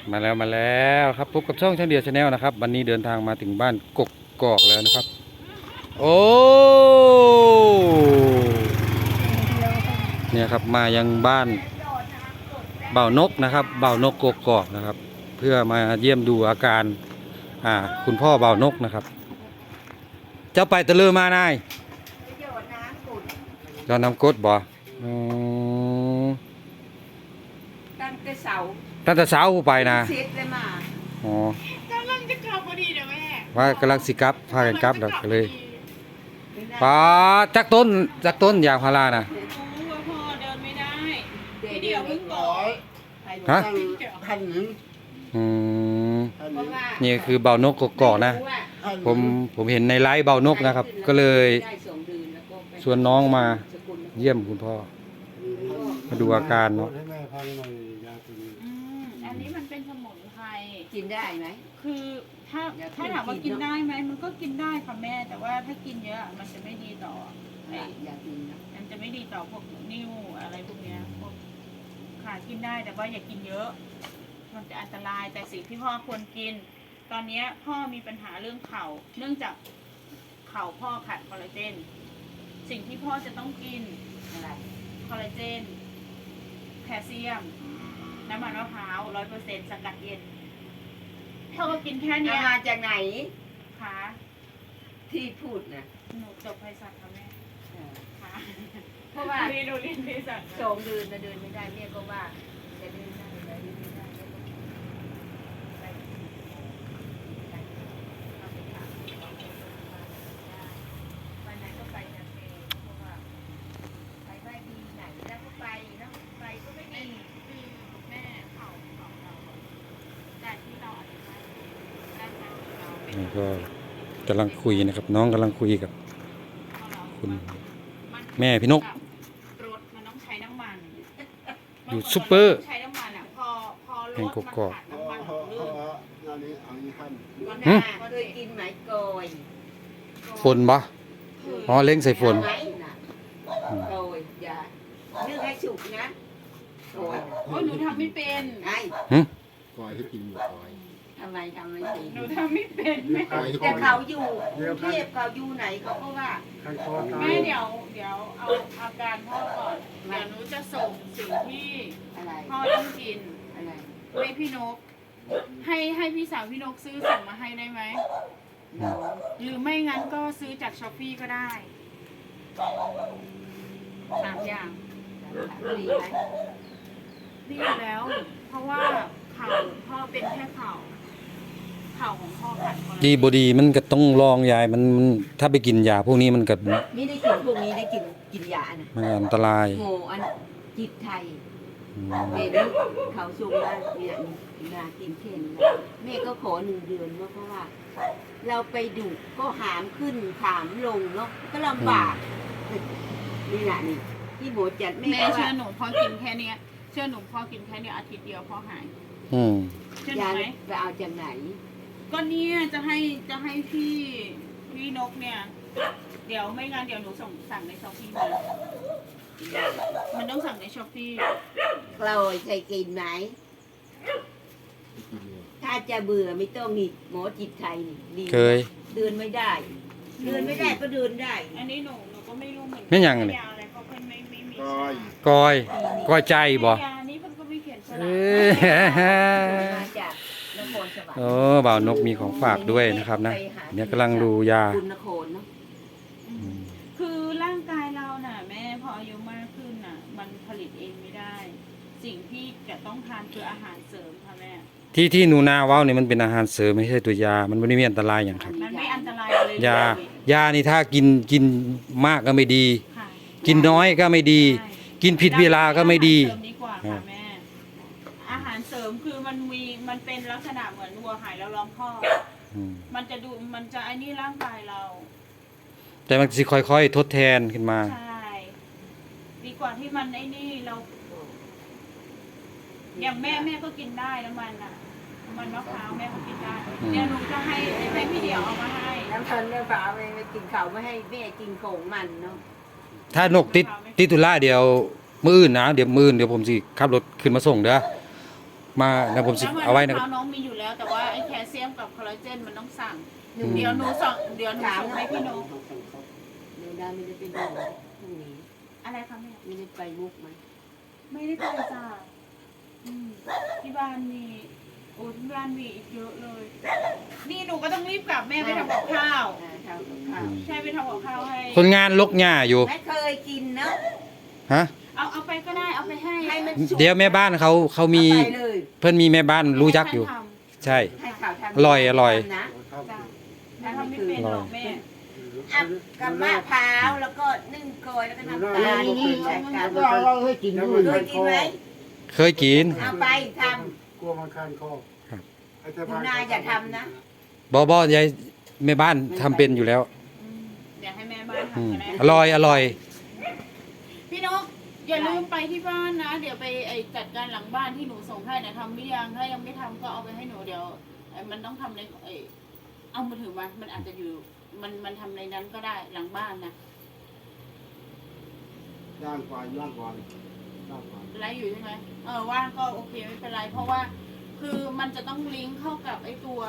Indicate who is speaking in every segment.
Speaker 1: มาแล้วครับพบกับช่องช่างเดียวชาแนลนะครับวันนี้เดินทางมาถึงบ้านกกกอกแล้วนะครับโอ้เนี่ยครับมายังบ้านบ่าวนกนะครับบ่าวนกกกอกนะครับเพื่อมาเยี่ยมดูอาการคุณพ่อบ่าวนกนะครับเจ้าไปตะลือมานายยอดน้ำกดบ่
Speaker 2: ตั้งแต่เสา
Speaker 1: ตั้งแต่เช้าผู้ไปนะ
Speaker 2: เสร็จเลยมา
Speaker 1: อ๋อก
Speaker 3: ำลังจะกลับพอดีเดี๋ยวแม่
Speaker 1: ว่ากำลังสิกลับพากันกลับก็เลยป้าจักต้นยางพารานะ
Speaker 3: รู้ว่าพ่อเดินไม่ได้พี่เดียวเพิ่งบอก
Speaker 1: ฮะ
Speaker 4: พันหนึ่ง
Speaker 1: อืม
Speaker 2: เพราะว่า
Speaker 1: นี่คือเบานกกกอกนะ
Speaker 4: พันห
Speaker 1: ผ
Speaker 4: นึ่ง
Speaker 1: มเห็นในไลฟ์เบานกนะครับ ก็เลย
Speaker 2: ได้2 เดือนแล้วก็ไป
Speaker 1: ชวนน้องมา
Speaker 2: สกุล
Speaker 1: เยี่ยมคุณพ่อมาดูอาการเนาะ
Speaker 4: ให้แม่พันหน่อยยาตัวนี้
Speaker 3: อันนี้มันเป็นสมุนไพร
Speaker 2: กินได้ไหม
Speaker 3: คือถ้าถามว่ากินได้ไหมมันก็กินได้ค่ะแม่ แต่ว่าถ้ากินเยอะมันจะไม่ดีต่อไอ้
Speaker 2: อยากกินนะ
Speaker 3: มันจะไม่ดีต่อพวกนิ่วอะไรพวกเนี้ยพวกขากินได้แต่ว่าอย่ากินเยอะ มันจะอันตรายแต่สิ่งที่พ่อควรกิน ตอนเนี้ยพ่อมีปัญหาเรื่องเข่าเนื่องจากเข่าพ่อขาดคอลลาเจนสิ่งที่พ่อจะต้องกิน
Speaker 2: อะไร
Speaker 3: คอลลาเจนแคลเซียมน้ำมันมะพร้าว100%สกัดเย็นพ่อก็กินแค่เนี้
Speaker 2: เอา
Speaker 3: ย
Speaker 2: มาจากไหน
Speaker 3: ค่ะ
Speaker 2: ที่พูดนะ
Speaker 3: หนูจบไพศาลค่ะแม่
Speaker 2: เออ
Speaker 3: ค่ะ
Speaker 2: เพราะว่า
Speaker 3: เรียนเภสัช
Speaker 2: 2 เดือนนะเดินไม่ได้เนี่ยก็ว่าจะเดินได้หรือไม่ได้แล้วก็ไปวันไหนก็ไปนะเมย์เพราะว่าไปไม่ดีไหนแล้วก็ไปเนาะไปก็ไม่ดี
Speaker 3: คือแม่เข่าเราแต่ที่เราอธิบายด้านการของเราเป็น
Speaker 1: นี่ก็กำลังคุยนะครับ น้องกำลังคุยกับ คุณแม่พี่นก
Speaker 3: รถมันต้องใช้น้ำมัน
Speaker 1: อยู่ซุปเปอร์
Speaker 3: ใช้น้ำมันอ่ะพอร
Speaker 1: แห่ง
Speaker 3: ถ
Speaker 1: ก
Speaker 3: มัน
Speaker 1: กอก
Speaker 3: ขาด
Speaker 4: เพราะ
Speaker 3: น้ำมัน
Speaker 4: เพราะ
Speaker 3: ลื่น
Speaker 4: งานนี้เอานี้ขั้น
Speaker 2: วัน
Speaker 1: หึ
Speaker 2: หน้าเคยกินไหมโกย
Speaker 1: ฝนบ่อ๋อเล้งใส่ฝน
Speaker 2: ไหมน่ะโกยอย่านึ่งให้สุกนะโกย
Speaker 3: โอ้ยหนูทำไม่เป็น
Speaker 2: ไอ้
Speaker 4: กอยให้กินหมดกอย
Speaker 2: ทำไมทำไม่ดี
Speaker 3: หนูทำไม่เป็นแม่
Speaker 4: กอยให้
Speaker 2: แต่
Speaker 4: กิน
Speaker 2: เขาอยู่กรุงเทพเขาอยู่ไหนเขาก็ว่า
Speaker 4: ขั้นคอตาย
Speaker 3: แม่เดี๋ยวเอาอาการพ่อก่อนเดี๋ยวหนูจะส่งสิ่งที่
Speaker 2: อะไร
Speaker 3: พ่อต้องกิน
Speaker 2: อะไร
Speaker 3: ให้พี่นก ให้พี่สาวพี่นกซื้อส่งมาให้ได้ไหม
Speaker 2: เรา
Speaker 3: หรือไม่งั้นก็ซื้อจากช้อปปี้ก็ได้3 อย่าง
Speaker 2: ดีไหม
Speaker 3: ดีอยู่แล้ว เพราะว่าเข่าพ่อเป็นแค่เข่าของพ่อขาดคอลลาเจน
Speaker 1: ดีบดีมันก็ต้องลองยายมันถ้าไปกินยาพวกนี้มันก็
Speaker 2: นี่ได้กินพวกนี้ได้กินยานะ
Speaker 1: มันอันตราย
Speaker 2: โงอันจิตไทย
Speaker 1: อืม
Speaker 2: เห็นเขาส่งมาเนี่ยยากินเข่นแม่ก็ขอ1 เดือนเพราะว่า เราไปดูก็หามขึ้นหามลงเนาะก็ลำบากนี่แหละนี่ที่หมอจัดแม่
Speaker 3: แม่
Speaker 2: ก็
Speaker 3: เชื่
Speaker 2: ว่า
Speaker 3: อหนูพ่อกินแค่เนี้ยเชื่อหนูพ่อกินแค่เนี้ยอาทิตย์เดียวพ่อหาย
Speaker 1: อืม
Speaker 3: เชื่อหนู
Speaker 2: ยา
Speaker 3: ไหม
Speaker 2: ไปเอาจากไหน
Speaker 3: ก็เนี่ยจะให้พี่นกเนี่ย เดี๋ยวไม่งั้นเดี๋ยวหนูสั่งในช้อปปี้มามันต้องสั่งในช้อปปี้
Speaker 2: เราเคยกินไหมถ้าจะเบื่อไม่ต้องนี่หมอจิตไทยนี่ดี
Speaker 1: เคย
Speaker 2: เดินไม่ได้ เดินไม่ได้ก็เดินได้
Speaker 3: อันนี้หนูก็ไม่รู้เหมือนกั
Speaker 1: แม่ยังเนี่ย
Speaker 3: ยาอะไรเพราะเพิ่นไม่มี
Speaker 4: กอย
Speaker 1: กอยใจบ่
Speaker 3: ยานี้เพิ่นก็ไม่เขียนฉลา
Speaker 1: เอ้
Speaker 3: ก
Speaker 1: ย
Speaker 2: มาจากนครสวรรค์
Speaker 1: โอ้บ่าวนกมีของฝากด้วยนะครับนะเนี่ยกำลังดูยา
Speaker 2: คุณนครเนาะ
Speaker 1: อืม
Speaker 3: คือร่างกายเราน่ะแม่พออายุมากขึ้นน่ะ มันผลิตเองไม่ได้ สิ่งที่จะต้องทานคืออาหารเสริมค่ะแม่
Speaker 1: ที่หนูนาเว้านี่มันเป็นอาหารเสริมไม่ใช่ตัวยา มันไม่ได้มีอันตรายอย่างครับ
Speaker 3: มันไม่อันตรายเลย
Speaker 1: ยานี่ถ้ากินมากก็ไม่ดี
Speaker 3: ค่ะ
Speaker 1: กินน้อยก็ไม่ดี
Speaker 3: ใช่
Speaker 1: กินผิดเวลาก็ไม่ดี
Speaker 3: อาหารเสริมดีกว่าค่ะแม่ อาหารเสริมคือมันเป็นลักษณะเหมือนวัวหายแล้วล้อมคอก
Speaker 1: อืม
Speaker 3: มันจะไอ้นี่ร่างกายเรา
Speaker 1: แต่มันสิค่อยๆทดแทนขึ้นมา
Speaker 3: ใช่ ดีกว่าที่มันไอ้นี่เราอย่างแม่ก็กินได้น้ำมันอ่ะน้ำมันมะพร้าวแม่ก็กินได้
Speaker 1: อืม
Speaker 3: เดี๋ยวหนูจะให้พี่เดี่ยวเอามาให้
Speaker 2: น้ำพันเนี่ยฝาไปกินเขาไม่ให้แม่กินของมันเนาะ
Speaker 1: ถ้านกติดตุลาเดี๋ยวมื้ออื่นนะเดี๋ยวมื้ออื่นเดี๋ยวผมสิขับรถขึ้นมาส่งเด้อมานะผมสิเอาไว้นะค
Speaker 3: น้ำ
Speaker 1: รับ
Speaker 3: มะพร้าวน้องมีอยู่แล้ว แต่ว่าไอ้แคลเซียมกับคอลลาเจนมันต้องสั่ง
Speaker 1: อืม
Speaker 3: เดี๋ยวหนูส่งให้พี่นก
Speaker 2: เดี๋ยวได้ไม่ได้ไปดูพรุ่งนี้
Speaker 3: อะไรคะแม่
Speaker 2: ไม่ได้ไปมุกไหม
Speaker 3: ไม่ได้ไปจ้าที่บ้านมีโอ้ที่บ้านมีอีกเยอะเลย นี่หนูก็ต้องรีบกลับแม่ไปทำกับข้าว
Speaker 2: ทำกับข้าว
Speaker 3: ใช่ไปทำกับข้าวให้
Speaker 1: คนงานลกหญ้าอยู่
Speaker 2: ไม่เคยกินเนาะ
Speaker 1: ฮะ
Speaker 3: เอาไปก็ได้เอาไปให้
Speaker 2: ให้มันสุก
Speaker 1: เดี๋ยวแม่บ้านเขามี
Speaker 2: เอาไปเลย
Speaker 1: เพื่อนมีแม่บ้านรู้จักอยู่
Speaker 3: ให้ท่านท
Speaker 1: ใช่
Speaker 2: ให้ข่าวทำ
Speaker 1: อร่อยอร่อย
Speaker 2: นะ
Speaker 3: ำจ้ะแล้วทำไม่เป็นหรอกแม่
Speaker 2: อ่ะกับมะพร้าวแล้วก็นึ่งโกยแล้วก็น้ำตาลใส่กัน
Speaker 4: เราให้กินด้วย
Speaker 2: เคยกินไหม
Speaker 1: เคยกิน
Speaker 2: เอาไปท
Speaker 4: กลัวมันคันคอ
Speaker 1: ครับ
Speaker 2: หนูนาอย่าทำนะ
Speaker 1: บ่ยายแม่บ้านทำเป็นอยู่แล้ว
Speaker 3: เดี๋ยวให้แม่บ้าน
Speaker 1: อืม
Speaker 3: ทำก็ได้
Speaker 1: อร่อยอร่อย
Speaker 3: พี่นกอย่าลืมไปที่บ้านนะ เดี๋ยวไปจัดการหลังบ้านที่หนูส่งให้นะทำไม่ยังถ้ายังไม่ทำก็เอาไปให้หนูเดี๋ยวมันต้องทำในเอามือถือมามันอาจจะอยู่มันทำในนั้นก็ได้หลังบ้านนะ
Speaker 4: ย่างกว่าย่างกว่าย่างกว่า
Speaker 3: ไลฟ์อยู่ใช่ไหมว่างก็โอเคไม่เป็นไร เพราะว่าคือมันจะต้องลิงก์เข้ากับไอ้ตัว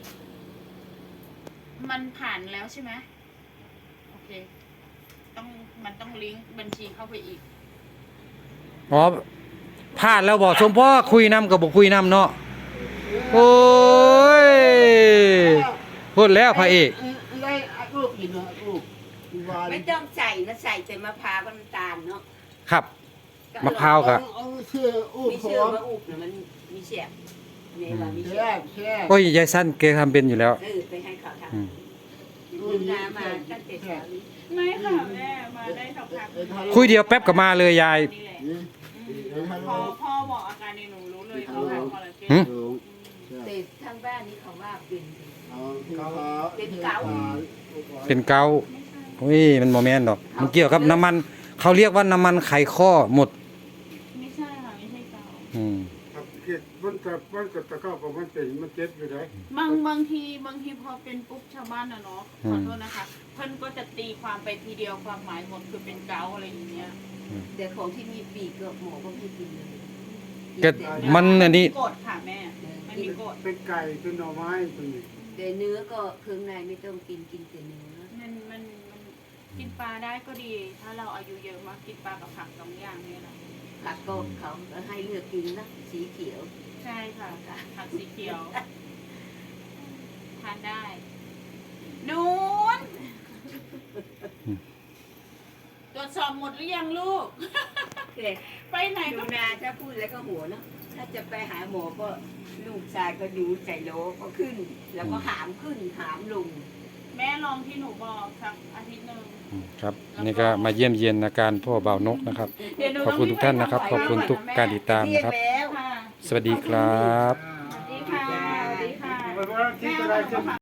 Speaker 3: มันผ่านแล้วใช่ไหมโอเคมันต้องลิงก์บัญชีเข้าไปอีก
Speaker 1: อ๋อพลาดแล้วบอกสมพ่อคุยน้ำกับบอกคุยน้ำเนาะโอ้ยพูดแล้วพระเอก
Speaker 4: ได้ลูกกินนะลูกวาน
Speaker 2: ไม่ต้องใส่นะใส่แต่มะพร้าวกับน้ำตาลเนาะ
Speaker 1: ครับ มะพร้าวกับ
Speaker 4: เอาเชื่ออู้
Speaker 2: มี
Speaker 4: ข
Speaker 2: เชื่อ
Speaker 4: อ
Speaker 2: มะอุบเนี่ยมันมีเสียบเนี่ยว่ามีเสี
Speaker 4: แช่
Speaker 2: ยบ
Speaker 4: แช่
Speaker 1: โอ้ยยายสั้นแกทำเป็นอยู่แล้ว
Speaker 2: ไปให้เขาท
Speaker 1: อืม
Speaker 2: ำหนูนามาตั้งแต่เช้านี้
Speaker 3: ไม่ค่ะแม่มาได้สักพัก
Speaker 1: คุยเดียวแป๊บก็มาเลยยาย
Speaker 3: นี่แหละ
Speaker 4: นี่เดี๋ยวให้
Speaker 3: พอ
Speaker 4: เรา
Speaker 3: พ่อบอกอาการในหนูรู้เลยเขาทำคอลลาเจน
Speaker 1: หึ
Speaker 4: ลง
Speaker 2: แต่ทางบ้านนี้เขาว่าเป็น
Speaker 1: เป็นเกาต์
Speaker 3: ไม่ใช่
Speaker 1: โอ้ยมันโมแมนดอก มันเกี่ยวกับน้ำมันเขาเรียกว่าน้ำมันไขข้อหมด
Speaker 3: ไม่ใช่ค่ะไม่ใช่เกา
Speaker 1: อืม
Speaker 4: ครับเกิดมันกับตะเข้ากับมันเป็นมันเจ็บอยู่ไหน
Speaker 3: บางทีพอเป็นปุ๊บชาวบ้านนะเนาะขอโทษนะคะเพิ่นก็จะตีความไปทีเดียวความหมายหมดคือเป็นเกาอะไรอย่างเงี้ย
Speaker 2: แต่ของที่มีปีกกับหมอก็ไม่กินเลย
Speaker 1: ก็มันอันนี้
Speaker 3: กดค่ะแม่มันมีกด
Speaker 4: เป็นไก่เป็นหน่อไม้เป็นนี่
Speaker 2: แต่เนื้อก็เครื่องในไม่ต้องกินแต่เนื้อ
Speaker 3: มันกินปลาได้ก็ดี ถ้าเราอายุเยอะมากกินปลากับผักสองอย่างนี่แหละ
Speaker 2: ผักก็เขาให้เลือกกินนะสีเขียว
Speaker 3: ใช่ค่ะผักสีเขียวทานได้นูนตรวจสอบหมดหรือยังลูก ไปไหน
Speaker 2: หนู
Speaker 3: ก็
Speaker 2: นาถ้าพูดแล้วก็หัวเนาะถ้าจะไปหาหมอก็ลูกชายก็อยู่ใส่โลก็ขึ้น แล้วก็หามขึ้นหามลง
Speaker 3: แม่ลองที่หนูบอกสักอาทิตย์หนึ่ง
Speaker 1: ครับนี่ก็มาเยี่ยมเยียนอาการพ่อเบานกนะครับ
Speaker 3: เดี๋ยวหนู
Speaker 1: ขอบคุณทุกท่านนะครับ ขอบคุณทุกการติดตาม
Speaker 2: เรีย
Speaker 1: นะ
Speaker 2: ก
Speaker 1: ครับ
Speaker 2: แล้ว
Speaker 3: ค่ะ
Speaker 1: สวัสดีครับ
Speaker 3: สวัสดีค่ะสวัสดีค่ะ
Speaker 4: ที่อะไร